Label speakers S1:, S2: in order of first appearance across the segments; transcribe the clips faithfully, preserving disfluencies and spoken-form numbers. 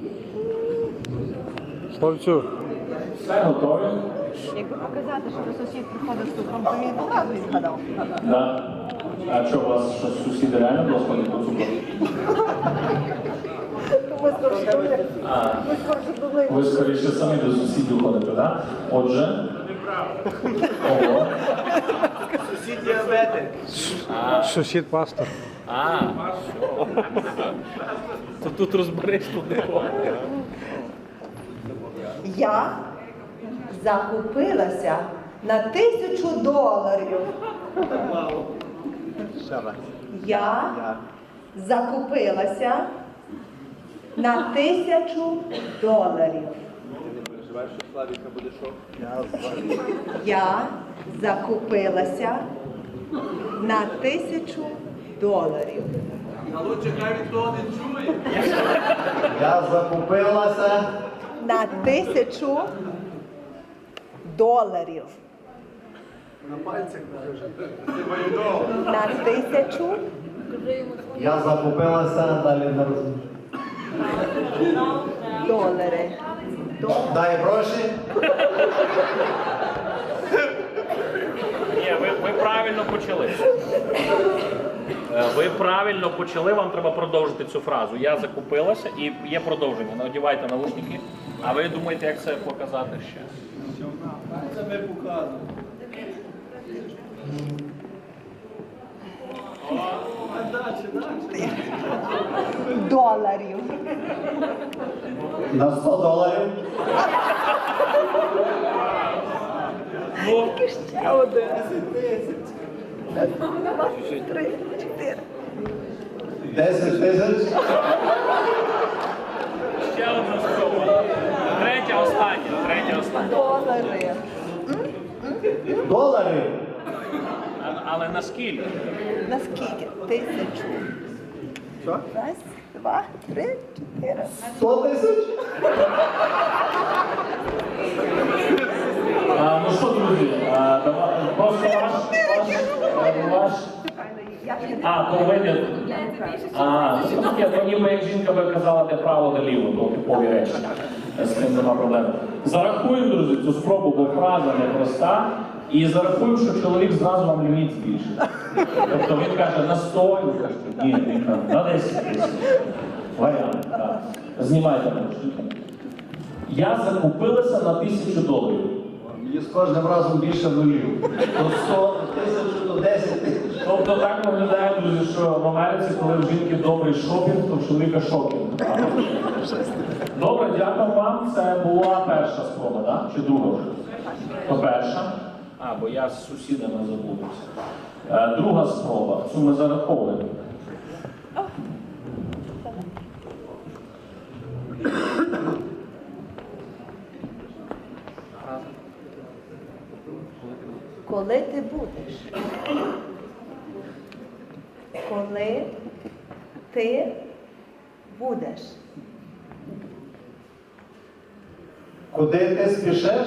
S1: Словцю.
S2: Все готові?
S3: Якби показати, що до сусід приходить з цукром, то він одразу відгадав.
S2: Да. А що, у вас що, сусіди реально було ходити по цукру?
S3: Ми скорше думали.
S2: А,
S3: Ми скорше думали.
S2: ви скоріше самі до сусідів ходите, так? Да? Отже. Ого.
S4: Сусід діабетик.
S1: Сусід пастор.
S2: А, то тут розбереш тут не.
S3: Я закупилася на тисячу доларів. Я закупилася на тисячу доларів.
S4: Переживаєш, що Славіка буде шок?
S3: Я закупилася на тисячу доларів.
S4: А лучше хай ніхто не чує.
S5: Я закупилася.
S3: На тисячу доларів.
S4: На пальцях
S3: На тисячу
S5: Я закупилася, далі не розумію.
S3: доларів. До-
S5: Дай гроші.
S2: Ні, ви, ви правильно почали. Е, Ви правильно почали, вам треба продовжити цю фразу. Я закупилася і є продовження. Надівайте навушники. А ви думаєте, як це показати ще?
S4: Це ми показуємо.
S3: Доларів.
S5: На сто доларів.
S2: Ну,
S3: Ще один. Два, три, чотири.
S5: десять тисяч.
S2: ще одна спроба. Третя остання. Третя остання.
S3: Долари.
S5: Доларів.
S2: А- Але наскільки?
S3: Наскільки? Тисячу.
S4: Що?
S3: Раз, два, три, чотири.
S5: сто тисяч.
S2: А, ну що, друзі, а, давай, просто ваш, ваш, е, ваш, а, то ви, а, це таке, то ніби як жінка би казала, де право, де ліво, то типові речі, з цим нема проблем. Зарахуємо, друзі, цю спробу, бо фраза непроста, і зарахуємо, що чоловік зразу вам ліміт збільшить. Тобто він каже на сто, і ви кажете, ні, він каже, на десять тисяч. Варіант, так. Знімайте навушники. Я закупилася на тисячу доларів.
S5: І з кожним разом більше нулів. До сто тисяч, до десять тисяч.
S2: Тобто так виглядає, друзі, що в Америці, коли в жінки добрий шопінг, то в чоловіка шокінг. Добре, дякую вам. Це була перша спроба, так? Чи друга вже? То перша. А, бо я з сусідами забувся. Е, друга спроба. Цю ми зараховуємо.
S3: Коли ти будеш? Коли ти будеш?
S5: Куди ти спішеш?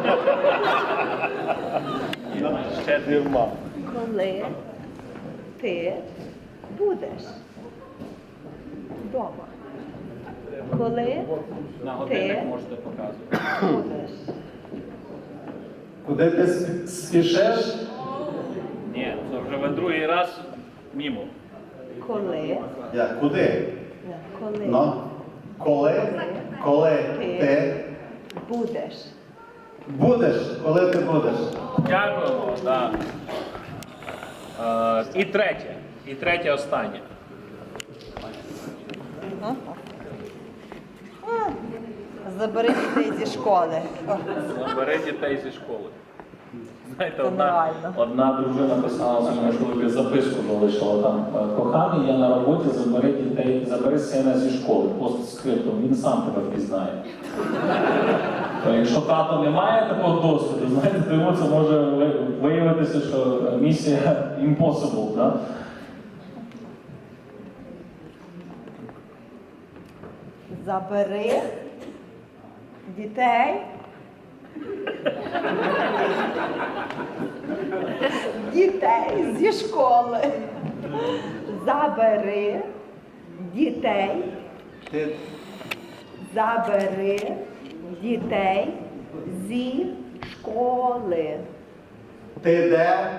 S2: Ще дивма.
S3: Коли ти будеш? Дома. Коли
S2: На годинник
S3: ти
S2: можете показувати.
S3: будеш?
S5: Куди ти спі- спішеш?
S2: Ні, це вже ви другий раз мімо.
S3: Коли?
S5: Як? Куди?
S3: Коли
S5: Ну? Коли? Коли ти
S3: будеш?
S5: будеш? Коли ти будеш?
S2: Дякуємо. Да. Е, і третє. І третє останнє.
S3: Забери дітей зі школи.
S2: Забери дітей зі школи. Знаєте,
S3: Це
S2: одна,
S3: нереально.
S2: одна дружина писала своєму чоловіку записку, залишила там. Коханий, я на роботі, забери дітей, забери сина зі школи. Постскриптум, він сам тебе впізнає. То якщо тато не має такого досвіду, знаєте, то йому це може ви- виявитися, що місія impossible, да?
S3: Забери дітей. Дітей зі школи. Забери дітей
S4: Ти
S3: Забери дітей зі школи.
S5: Ти де?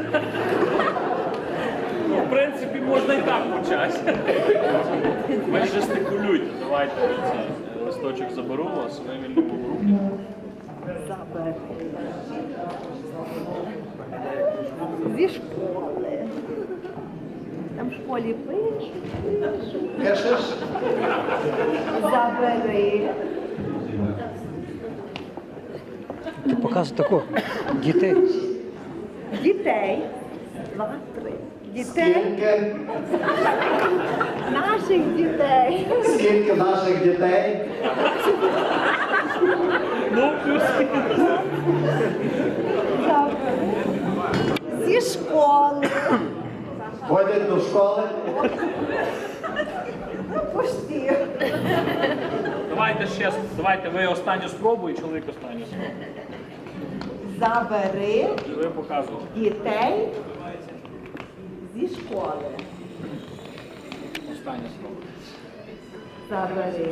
S6: Ну, в принципі, можна і так почати. Ви ж жестикулюйте, давайте цей листочок заберу у вас, ви вільному в руки.
S3: Забери. Зі школи. Там в школі пишуть.
S5: Пишеш?
S3: Забери
S1: Ти показує таку. Дітей.
S3: дітей. Два, три. Дітей.
S5: Скільки?
S3: Наших дітей.
S5: Скільки наших дітей?
S6: Ну, плюс.
S3: Забери. Зі школи.
S5: Ходять до школи?
S3: Ну, пусти.
S6: Давайте ще, давайте ви останню спробу і чоловік останню спробу.
S3: Забери
S6: І ви показуєте.
S3: дітей зі школи.
S6: Остання спроба.
S3: Забери.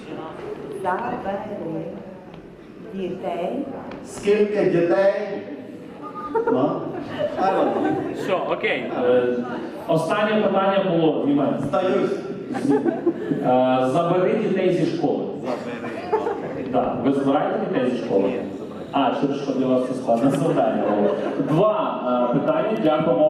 S3: Забери дітей.
S5: Скільки дітей? Ну? Правильно.
S6: Все, окей.
S2: Е, Останнє питання було, знімаємо.
S5: Здаюсь.
S2: Е, Забери дітей зі школи. Забери. Так, ви забираєте дітей зі школи? А, через що для вас це складне завдання було. Два е, питання, дякуємо.